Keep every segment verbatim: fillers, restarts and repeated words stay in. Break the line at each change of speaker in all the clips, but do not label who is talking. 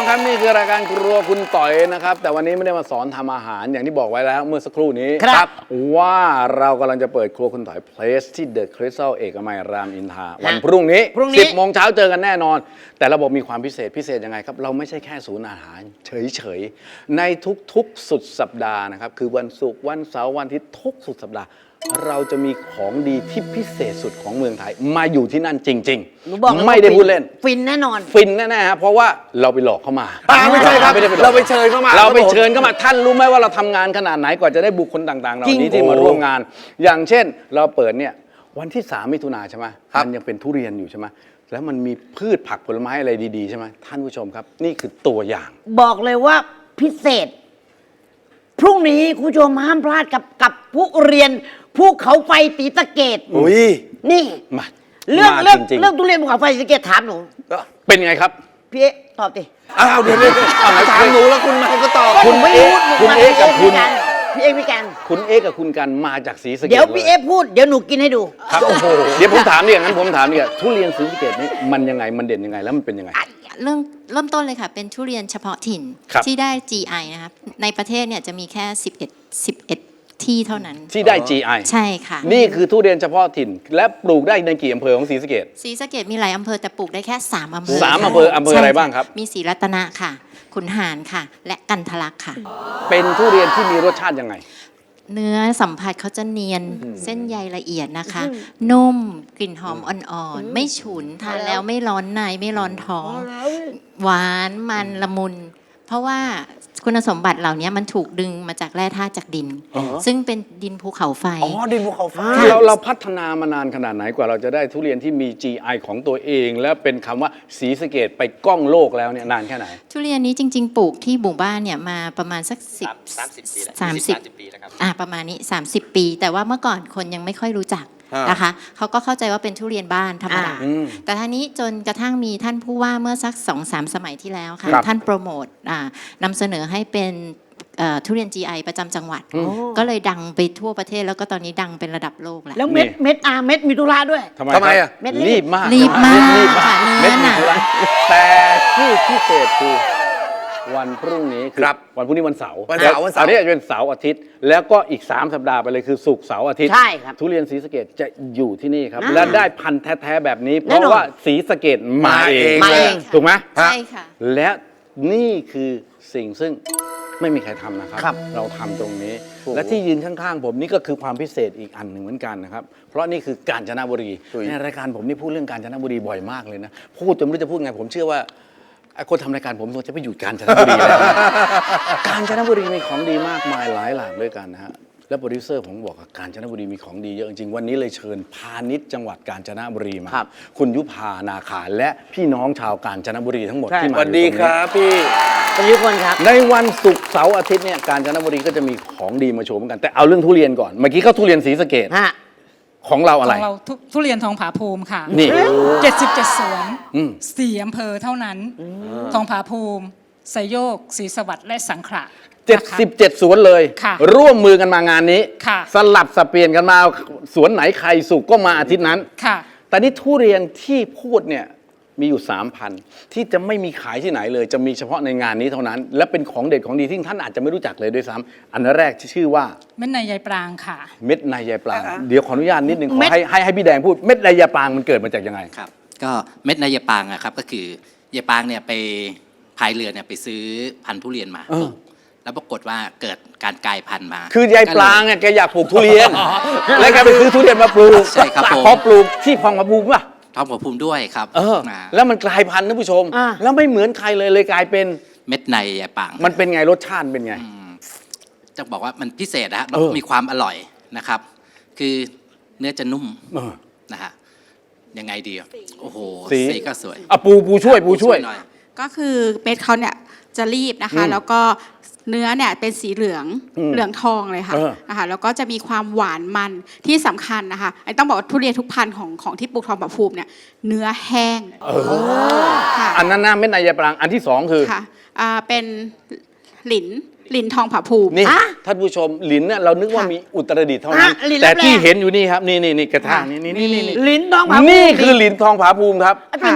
ครับนี่คือรายการครัวคุณต่อยนะครับแต่วันนี้ไม่ได้มาสอนทำอาหารอย่างที่บอกไว้แล้วเมื่อสักครู่นี้ครับว่าเรากำลังจะเปิดครัวคุณต่อยเพลสที่เดอะคริสตัลเอกมัยรามอินทราวันพรุ่งนี้สิบโมงเช้าเจอกันแน่นอนแต่ระบบมีความพิเศษพิเศษยังไงครับเราไม่ใช่แค่ศูนย์อาหารเฉยๆในทุกๆสุดสัปดาห์นะครับคือวันศุกร์วันเสาร์วันอาทิตย์ทุกสุดสัปดาห์เราจะมีของดีที่พิเศษสุดของเมืองไทยมาอยู่ที่นั่นจริงๆไม่ได้พูดเล่น
ฟินแน่นอน
ฟินแน่ๆครับเพราะว่าเราไปหลอกเข้ามา
ไม่ใช่ครับเราไปเชิญเข้ามา
เราไปเชิญเข้ามาท่านรู้ไหมว่าเราทำงานขนาดไหนกว่าจะได้บุคคลต่างๆเหล่านี้ที่มาร่วมงานอย่างเช่นเราเปิดเนี่ยวันที่สามมิถุนาใช่ไหมมันยังเป็นทุเรียนอยู่ใช่ไหมแล้วมันมีพืชผักผลไม้อะไรดีๆใช่ไหมท่านผู้ชมครับนี่คือตัวอย่าง
บอกเลยว่าพิเศษพรุ่งนี้คุณผู้ชมห้ามพลาดกับกับผู้เรียนภูเขาไฟศรีสะเกษ
อุ้ย
นี่
มา
เรื่องเรื่องเรื่องทุเรียนภูเขาไฟศรีสะเกษถามหนู
เป็นไงครับ
พี่เอ๊ตอบดิ
อ้าวเดี๋ยวเดี๋ยวถามหนูแล้วคุณมาก็ตอบ
คุณเอ๊คุณเอ๊กับคุณ
พี่เอ๊พี่กัน
คุณเอ๊กับคุณกันมาจากศรีสะเกษ
เดี๋ยวพี่เอ๊พูดเดี๋ยวหนูกินให้ดู
ครับโอ้โหเดี๋ยวผมถามเนี่ยงั้นผมถามเนี่ยทุเรียนศรีสะเกษนี่มันยังไงมันเด่นยังไงแล้วมันเป็นยังไง
เริ่มเริ่มต้นเลยค่ะเป็นทุเรียนเฉพาะถิ่นที่ได้ จี ไอ นะครับในประเทศเนี่ยจะมีแค่สิบเอ็ด สิบเอ็ดที่เท่านั้น
ที่ได้ จี ไอ
ใช่ค่ะ
นี่คือทุเรียนเฉพาะถิ่นและปลูกได้ในกี่อำเภอของศรีสะเกษ
ศรีสะเกษมีหลายอำเภอแต่ปลูกได้แค่สามอำเภอ
สามอำเภออำเภออะไรบ้างครับ
มีศรีรัตนะค่ะขุนหารค่ะและกันทะลักค่ะ
เป็นทุเรียนที่มีรสชาติยังไง
เนื้อสัมผัสเขาจะเนียนเส้นใยละเอียดนะคะนุ่มกลิ่นหอมอ่อนๆไม่ฉุนทานแล้วไม่ร้อนในไม่ร้อนท้องหวานมันละมุนเพราะว่าคุณสมบัติเหล่านี้มันถูกดึงมาจากแร่ธาตุจากดินซึ่งเป็นดินภูเขาไฟ
อ๋อดินภูเขาไฟ
เราเราพัฒนามานานขนาดไหนกว่าเราจะได้ทุเรียนที่มี จี ไอ ของตัวเองและเป็นคำว่าศรีสะเกษไปก้องโลกแล้วเนี่ยนานแค่ไหน
ทุเรียนนี้จริงๆปลูกที่หมู่บ้านเนี่ยมาประมาณสักสิบสามสิบปีแล้วครับอ่าประมาณนี้สามสิบปีแต่ว่าเมื่อก่อนคนยังไม่ค่อยรู้จักนะคะเขาก็เข้าใจว่าเป็นทุเรียนบ้านธรรมดาแต่ท่านี้จนกระทั่งมีท่านผู้ว่าเมื่อสัก สองสาม สมัยที่แล้วค่ะท่านโปรโมทนำเสนอให้เป็นทุเรียน จี ไอ ประจำจังหวัดก็เลยดังไปทั่วประเทศแล้วก็ตอนนี้ดังเป็นระดับโลกแล้ว
แล้วเม็ดเม็ดอาเม็ดมีตุลาด้วย
ทำไมอ่ะ
เม็ด
รีบมาก
รีบมาก
ค่ะเนื้อหนาแต่ที่พิเศษคือวันพรุ่งนี้คือวันพรุ่งนี้วันเสาร์
วันเสาร์วันเสาร์
อันนี้จะเป็นเสาร์อาทิตย์แล้วก็อีกสามสัปดาห์ไปเลยคือศุกร์เสาร์อาทิตย์
ใช่ครับ
ทุเรียนศรีสะเกษจะอยู่ที่นี่ครับและได้พันธุ์แท้ๆแบบนี้เพราะว่าศรีสะเกษมาเองถูกไหม
ใช่ค่ะ
และนี่คือสิ่งซึ่งไม่มีใครทำนะครับเราทำตรงนี้และที่ยืนข้างๆผมนี่ก็คือความพิเศษอีกอันหนึ่งเหมือนกันนะครับเพราะนี่คือกาญจนบุรีในรายการผมนี่พูดเรื่องกาญจนบุรีบ่อยมากเลยนะพูดจนไม่รู้จะพูดไงผมเชื่อว่าคนทำรายการผมควรจะไปอยู่กาญจนบุรีแล้วกาญจนบุรีมีของดีมากมายหลายหลากด้วยกันนะฮะและโปรดิวเซอร์ผมบอกว่ากาญจนบุรีมีของดีเยอะจริงๆวันนี้เลยเชิญพาณิชย์จังหวัดกาญจนบุรีมาคุณยุพานาคาและพี่น้องชาวกาญจนบุรีทั้งหมดที่มาอยู่ตรงนี้
สวัสดีครับพี่
คุณยุพลครับ
ในวันศุกร์เสาร์อาทิตย์เนี่ยกาญจนบุรีก็จะมีของดีมาโชว์เหมือนกันแต่เอาเรื่องทุเรียนก่อนเมื่อกี้เขาทุเรียนศรีสะเกษของเราอะไร
ของเราทุเรียนทองผาภูมิค่ะ
นี่
เจ็ดสิบเจ็ดสวนสี่อำเภอเท่านั้นทองผาภูมิไซโยกศรีสวัสดิ์และสังขละ
เจ็ดสิบเจ็ดสวนเลยร่วมมือกันมางานนี้สลับสับเปลี่ยนกันมาสวนไหนใครสุกก็มาอาทิตย์นั้นแต่นี่ทุเรียนที่พูดเนี่ยมีอยู่ สามพัน ที่จะไม่มีขายที่ไหนเลยจะมีเฉพาะในงานนี้เท่านั้นและเป็นของเด็ดของดีที่ท่านอาจจะไม่รู้จักเลยด้วยซ้ำอันแรกที่ชื่อว่า
เม็ดในยายปรางค่ะ
เม็ดในยายปรางเดี๋ยวขออนุญาตนิดนึงขอให้ให้ให้พี่แดงพูดเม็ดในยายปรางมันเกิดมาจากยังไง
ครับก็เม็ดในยายปรางอะครับก็คือยายปรางเนี่ยไปพายเรือเนี่ยไปซื้อพันธุ์ทุเรียนมาแล้วปรากฏว่าเกิดการกลายพันธุ์มา
คือยายปรางเนี่ยแกอยากปลูกทุเรียนแล้วแกไปซื้อทุเรียนมาปลูก
ใช่ครับ
พอปลูกที่พองมาปลูกป่ะ
ทองผาภูมิด้วยครับ
เออแล้วมันกลายพันธุ์ท่านผู้ชมแล้วไม่เหมือนใครเลยเลยกลายเป็น
เม็ดในยายปราง
มันเป็นไงรสชาติเป็นไง
จะบอกว่ามันพิเศษนะฮะมันมีความอร่อยนะครับคือเนื้อจะนุ่มนะฮะยังไงดีโอ้โหสีก็สวย
อ่ะปูปูช่วยปูช่วย
ก็คือเม็ดเขาเนี่ยจะรีบนะคะแล้วก็เนื้อเนี่ยเป็นสีเหลืองเหลืองทองเลยค่ะนะคะแล้วก็จะมีความหวานมันที่สำคัญนะคะไอ้ต้องบอกว่าทุเรียนทุกพันธุ์ของของที่ปลูกทองผาภูมิเนี่ยเนื้อแห้ง
ค่ะอันนั้นน่าเม็ดในยายปรางอันที่สองคือ
ค่ะอ่าเป็นหลินหลินทองผาภูมิ
นี่ท่านผู้ชมหลินเนี่ยเรานึกว่ามีอุตรดิตถ์เท่านั้นแต่ที่เห็นอยู่นี่ครับนี่นี่นี่กระถางนี่นี่นี่นี่
หลินทองผาภูมิ
นี่คือหลินทองผาภูมิครับ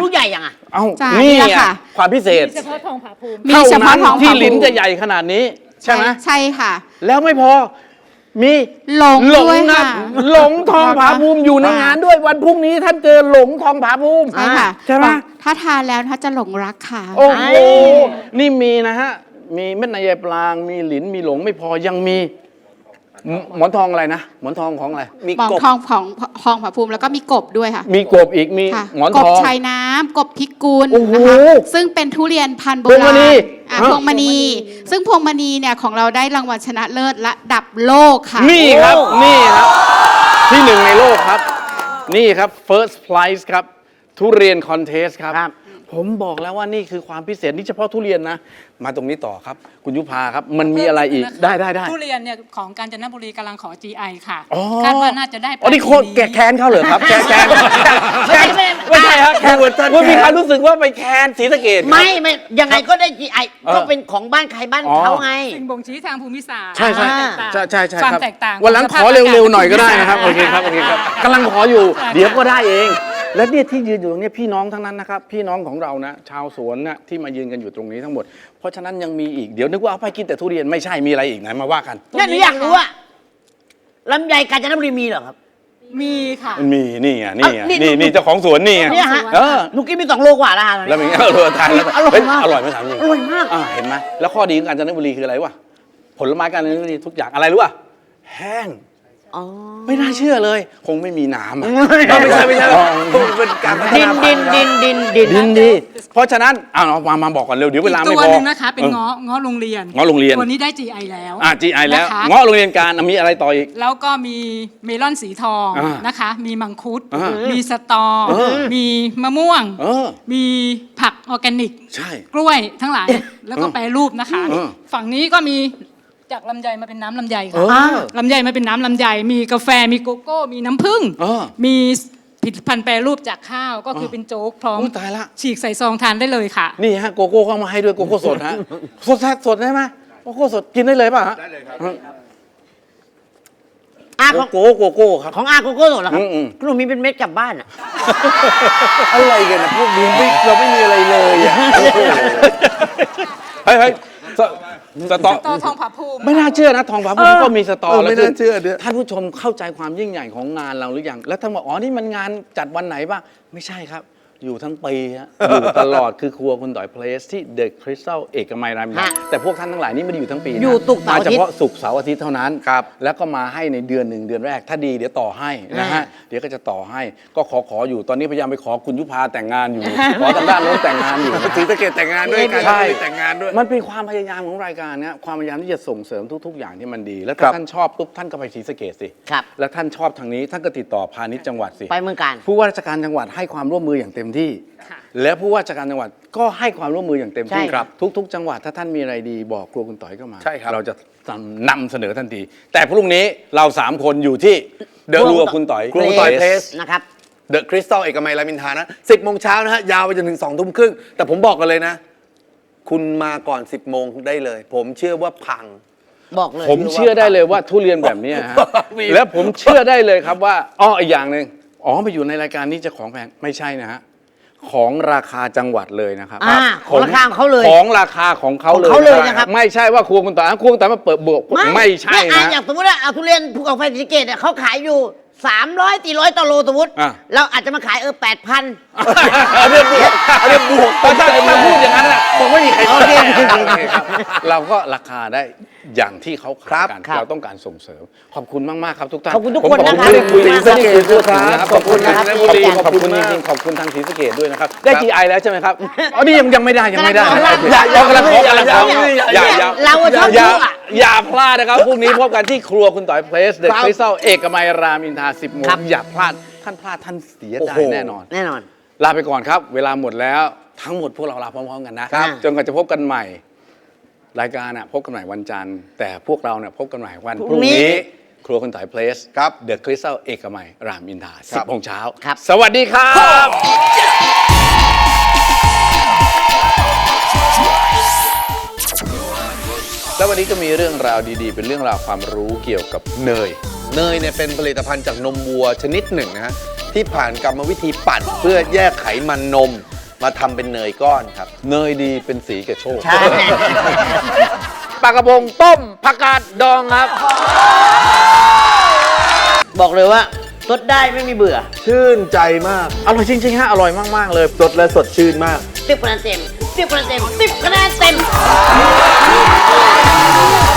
ลูกใหญ่ยังอ่ะ
เอ้า
จ้ะ
นี่
นี่แหละ
อ่ะ
ค่ะ
ความพิเศษ
เฉพาะทองผาภูมิ
มีเฉพาะทอง
ที่
ผาภูมิ
ลิ้นจะใหญ่ขนาดนี้ ใช่ไหม
ใช่ค่ะ
แล้วไม่พอมี
หลง
หลง
ด้วย
นะ
ค่ะ
หลงทองผาภูมิอยู่ในงานด้วยวันพรุ่งนี้ท่านเจอหลงทองผาภูมิ
ใช่ค่ะ
ใช่ไหม
ถ้าทานแล้วถ้าจะหลงรักค่ะ
โอ้โหนี่มีนะฮะมีเม็ดนายายปลางมีหลินมีหลงไม่พอยังมีหมหมอนทองอะไรนะหมอนทองของอะไร
มี
หมอน
กบ
ทองของทองผาภูมิแล้วก็มีกบด้วยค่ะ
มีกบอีกมี
ค่ะ
หมอน
ก
ท
บ
อง
ชายน้ำกบพิกุล
โอ้โห
นะคะซึ่งเป็นทุเรียนพันธุ์โบ
พวงม
รา
ณี
ณอ่ะ
ฮะ
พวงมณี ซึ่งพวงมณีเนี่ยของเราได้รางวัลชนะเลิศระดับโลกค่ะ
นี่ครับนี่ครับ ที่หนึ่งในโลกครับ นี่ครับ first prize ครับ ทุเรียนคอนเทสครับ
ครับ
ผมบอกแล้วว่านี่คือความพิเศษนี่เฉพาะทุเรียนนะ มาตรงนี้ต่อครับ คุณยุพาครับ มันมีอะไรอีกได้ได้ได้
ทุเรียนเนี่ยของกาญจนบุรีกำลังขอ จี ไอ ค่ะ
อ๋อ
คาดว่าน่าจะได้
อ๋อนี่โคตร
ปี
แกแค้นเขาเหรอครับแกแค้น
ไม่ใช่ไม่
ไม่ใช่ครับแค้น
เวอร์ชัน
ว่ามี
แค้น
ความรู้สึกว่าไปแค้นศรีสะเกด
ไม่ไม่ยังไงก็ได้ จี ไอ
เออ
ก็เป็นของบ้านใครบ้าน
อ๋อ
เขาไง
สิ่งบ่งชี้ทางภูมิศาสตร์
ใช่ใช่
ความแตกต่าง
ใช่ใช่ใช่
ความ
ครับ
แตกต่าง
วันหลังขอเร็วๆหน่อยก็ได้นะครับโอเคครับโอเคครับกำลังขออยู่
ใช่
เดี๋ยวก็ได้เอง และเนี่ยที่ยืนอยู่ตรงเนี้ยพี่น้องทั้งนั้นนะครับพี่น้องของเรานะชาวสวนนะที่มายืนกันอยู่ตรงนี้ทั้งหมด เพราะฉะนั้นยังมีอีกเดี๋ยวนึกว่าเอาไปกินแต่ทุเรียนไม่ใช่มีอะไรอีกไหนมาว่ากัน
เนี่ยหนูอยากรู้ว่าลำไยกาญจนบุรีมีเหรอครับ
มีค่ะ
มันมีนี่ไงนี่ไง
อ่ะนี่
นี่นี่เจ้าของสวนนี่ไง
เนี่ยฮะ
เออ
หนูกินมีสองโลกว่าแล้วฮะ
แล้วเป็นไงเออทานแล้ว
อร่อย
เฮ้
มาก
อร่อยไหมถามจริง
อร่อยมาก
อ่าเห็นไหมแล้วข้อดีของกาญจนบุรีคืออะไรวะผลไม้กาญจนบุรีทุกอย่างอะไรรู้ป่ะแห้ง
อ๋อ
ไม่น่าเชื่อเลย คงไม่มีน้ำอะ
ไม่ใช่ไม่ใช่
อ๋อ
เป็นการพัฒ
ดิน
นา
ดินดินดินดิน
ดินดี เพราะฉะนั้นอ้าวเอามามาบอกก่อนเร็วเดี๋ยวเวลา
อีก
ไม่
ตัว
พอ
หนึ่งนะคะ เป็น
ออ
เงาะเงาะโรงเรียน
เงาะโรงเรียน
ตัวนี้ได้ จี ไอ แล้ว
อ่าจีไอแล้ว
นะคะ
เงาะโรงเรียนการอ่ะมีอะไรต่ออีก
แล้วก็มีเมลอนสีทอง
อ่าน
นะคะ มีมังคุด
อ่ามี
มีสตอ
เออ
มีมะม่วง
เออ
มีผักออร์แกนิก
ใช่
กล้วยทั้งหลาย แล้วก็แปรรูปนะคะ
เออ
ฝั่งนี้ก็มีจากลำไยมาเป็นน้ำลำไย
เอ
ค่ะ
อ
ลำไยมาเป็นน้ำลำไย มีกาแฟ มีโกโก้ มีน้ำผึ้ง
เออ
มีผลิตภัณฑ์แปรรูปจากข้าว ก็คือเป็นโจ๊กพร้อม
อุ๊ยตายละ
ฉีกใส่ซองทานได้เลยค่ะ
นี่ฮะโกโก้เข้ามาให้ด้วยโกโก้สดฮะสดแท้สดได้ไหมโกโก้สดกินได้เลยป่ะฮะได้เลยครับ
อา
โก
ของ
โก้โกโก้ครับ
ของอาโกโก้สดเหรอครับ
อืม
หนูมีเป็นเม็ดกลับบ้านอ่ะ
อะไรกันนะพวกนี้ไม่เราไม่มีอะไรเลยอ่ะ
เฮ้ยเฮ้ยสสตอ
ต่อทองผาภูมิ
ไม่น่าเชื่อนะทองผาภูมิก็มีสตอ
เออ
แล้ว
ไม่น่าเชื่อเนี่ย
ท่านผู้ชมเข้าใจความยิ่งใหญ่ของงานเราหรือยังแล้วท่านบอกอ๋อนี่มันงานจัดวันไหนบ้างไม่ใช่ครับ อยู่ทั้งปีฮะอยู่ตลอดคือครัวคุณต่อยเพลสที่เดอะคริสตัลเอกมัยรามอินทรา
ฮะ
แต่พวกท่านทั้งหลายนี่ไม่ได้อยู่ทั้งปีนะ
อยู่ศุกร์เสาร์
มา
อาทิตย์
เฉพาะศุกร์เสาร์อาทิตย์เท่านั้นครับแล้วก็มาให้ในเดือนหนึ่งเดือนแรก ถ้าดีเดี๋ยวต่อให้นะฮะ
อ่า
เดี๋ยวก็จะต่อให้ก็ขอขออยู่ตอนนี้พยายามไปขอคุณยุพาแต่งงานอยู่ ขอทางด้านโน้นแต่งงานอยู่นะ
ศรีสะเกดแต่งงานด้วยกัน
ใช่
แต่งงานด้วย
มันเป็นความพยายามของรายการนะความพยายามที่จะส่งเสริมทุก ๆ อย่างที่มันดี แล้ว
ครั
ถ้า
บ
ท่านชอบปุ๊บท่านก็ไปศรีสะเกดสิ
ครับ
แล้วท่านชอบทางนี้ท่านก็ติดต่อพาณิชย์จังหวัดสิ
ไปเมืองการ
ผู้ว่าราชการจังหวัดให้ความร่วมมืออย่างเต็มที่
ค่ะ
และผู้ว่าราชการจังหวัดก็ให้ความร่วมมืออย่างเต็มที่
ใช่ครับ
ทุก ๆ จังหวัดถ้าท่านมีอะไรดีบอกครัวคุณต่อยก็มา
ใช่ครับ
เราจะนำเสนอทันที แต่พรุ่งนี้เราสามคนอยู่ที่เดอะครัวคุณต่อย
ครัวคุณต่อยเพลส
นะครับ
เดอะคริสตัลเอกมัยรามอินทรานะสิบโมงเช้านะฮะ ยาวไปจนถึงสองทุ่มครึ่ง แต่ผมบอกกันเลยนะ คุณมาก่อนสิบโมงได้เลย ผมเชื่อว่าพัง
บอกเลย
ผมเชื่อได้เลยว่าทุเรียนแบบเนี้ยฮะ
มี
และผมเชื่อได้เลยครับว่าอ้ออีกอย่างหนึ่งอ๋อมาอยู่ในรายการนี้จะของแพงไม่ใช่นะฮะของราคาจังหวัดเลยนะครับ
อ่าของราคาของเขาเลย
ของราคาของเขาเลย
ของเขาเลยนะครับ
ไม่ใช่ว่าครัวคุณต่อยครัวคุณต่อยมาเปิดบวกไม่ใช่
เนี่ยอ่
นะ
อย่างสมมติว่าเอาทุเรียนภูเขาไฟศรีสะเกดเนี่ยเขาขายอยู่สามร้อยสี่ร้อยต่อโลสมมติ
อ่ะ
เราอาจจะมาขายเออแปดพัน
เอาเรื่องบวกเอาเรื่องบวก
ถ้าถ้าพูดอย่างนั้นน่ะคงไม่มีใคร
โอเค
โอเคครับเราก็ราคาได้อย่างที่เขาขายกัน
ครับ
เราต้องการส่งเสริม ขอบคุณมาก ๆ ครับทุกท่าน
ขอบคุณทุก
ผม
คนนะครับ
ไม่ได้คุย
ขอบคุณ
ศรีสะเกด
มาก
ครับ
ขอบคุณนะครับ
ขอบคุณ
ขอบคุณ
ขอบคุณ
มาก
จริงๆขอบคุณทางศรีสะเกดด้วยนะครับ ได้ จี ไอ แล้วใช่ไหมครับอ๋อนี่ยังยังไม่ได้ยังไม่ได้
กำลังขอ
อย่าอย่ากำลังขอกำลังขอ
อย่า
อย่าอย่า
เราอะชอบ
อย่า
ดูอะ
อย่าพลาดนะครับพรุ่งนี้พบกันที่ครัวคุณต่อยเพลสเดอะคริสตัลเอกมัยรามอินทราสิบโมง
ครับ
อย่าพลาดท่านพลาดท่านเสียใจ
โอ้โห
แน่นอน
แน่นอน
ลาไปก่อนครับ เวลาหมดแล้วทั้งหมดพวกเราลาพร้อมๆกันนะครับ จนกว่าจะพบกันใหม่ รายการน่ะพบกันใหม่วันจันทร์ แต่พวกเราเนี่ยพบกันใหม่วันพ
พรุ่
รุ่ง
งนี้
นี้ ครัวคุณต่อยเพลส
ครับ
เดอะคริสตัลเอกมัยรามอินทราสิบโมงเช้า
ครับ
สวัสดีครับ แล้ววันนี้ก็มีเรื่องราวดีๆ เป็นเรื่องราวความรู้เกี่ยวกับเนย
เนยเนี่ยเป็นผลิตภัณฑ์จากนมวัวชนิดหนึ่งนะฮะที่ผ่านกรรมวิธีปั่นเพื่อแยกไขมันนมมาทำเป็นเนยก้อนครับ
เนยดีเป็นสีกับโชค
ใช่
ปลากระพงต้มผักกาดดองครับ
บอกเลยว่าสดได้ไม่มีเบื่อ
ชื่นใจมาก
อร่อยจริงๆฮะอร่อยมากๆเลย
สดและสดชื่นมาก
สิบคะแนนเต็มสิบคะแนนเต็มสิบคะแนนเต็ม